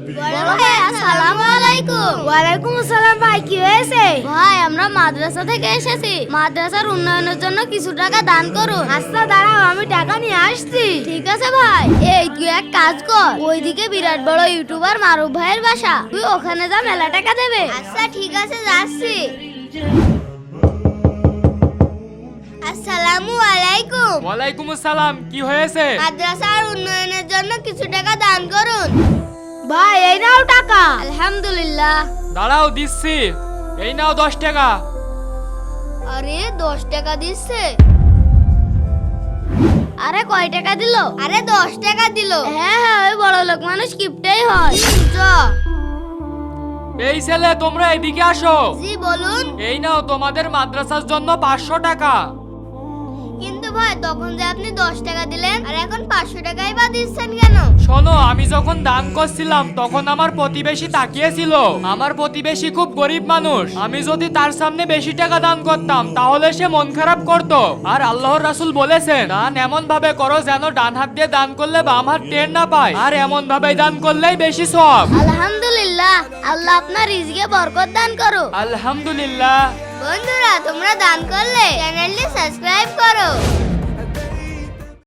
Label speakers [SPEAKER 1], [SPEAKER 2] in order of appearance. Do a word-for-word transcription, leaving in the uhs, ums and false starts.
[SPEAKER 1] বড় ভাই আসসালামু আলাইকুম।
[SPEAKER 2] ওয়ালাইকুম আসসালাম ভাই, কি হয়েছে?
[SPEAKER 1] ভাই আমরা মাদ্রাসা থেকে এসেছি, মাদ্রাসার উন্নয়নের জন্য কিছু টাকা দান করুন।
[SPEAKER 2] আচ্ছা দাঁড়াও, আমি টাকা নিয়ে আসছি।
[SPEAKER 1] ঠিক আছে ভাই। এই তুই এক কাজ কর, ওইদিকে বিরাট বড় ইউটিউবার মারুফ ভাইয়ের বাসা, তুই ওখানে যা, মেলা টাকা দেবে। আচ্ছা ঠিক আছে, যাচ্ছি। আসসালামু আলাইকুম।
[SPEAKER 3] ওয়ালাইকুম আসসালাম। কি হয়েছে?
[SPEAKER 1] মাদ্রাসার উন্নয়নের জন্য কিছু টাকা দান করুন।
[SPEAKER 2] ভাই এই নাও টাকা।
[SPEAKER 1] আলহামদুলিল্লাহ।
[SPEAKER 3] দাঁড়াও, দিচ্ছি। এই নাও দশ টাকা।
[SPEAKER 1] আরে দশ টাকা দিচ্ছে? আরে কয় টাকা দিল? আরে দশ টাকা দিল। হ্যাঁ হ্যাঁ, ওই বড় লোক মানুষ কিপটাই হয়। চ।
[SPEAKER 3] এই ছেলে, তোমরা এদিকে আসো।
[SPEAKER 1] জি বলুন।
[SPEAKER 3] এই নাও তোমাদের মাদ্রাসার জন্য পাঁচশো টাকা।
[SPEAKER 1] কিন্তু ভাই তখন যে আপনি দশ টাকা দিলেন, আর এখন পাঁচশো টাকাই বা দিচ্ছেন কেন?
[SPEAKER 3] শোনো, আমি যখন দান করছিলাম তখন আমার প্রতিবেশী তাকিয়েছিল। আমার প্রতিবেশী খুব গরিব মানুষ, আমি যদি তার সামনে বেশি টাকা দান করতাম তাহলে সে মন খারাপ করত। আর আল্লাহর রাসূল বলেছেন, দান এমন ভাবে করো যেন ডান হাত দিয়ে দান করলে বাম হাত টের না পায়, আর এমন ভাবে দান করলেই বেশি সওয়াব।
[SPEAKER 1] আলহামদুলিল্লাহ, আল্লাহ আপনার রিজকে বরকত দান করো।
[SPEAKER 3] আলহামদুলিল্লাহ।
[SPEAKER 1] বন্ধুরা, তোমরা দান করলে চ্যানেলটি সাবস্ক্রাইব করো।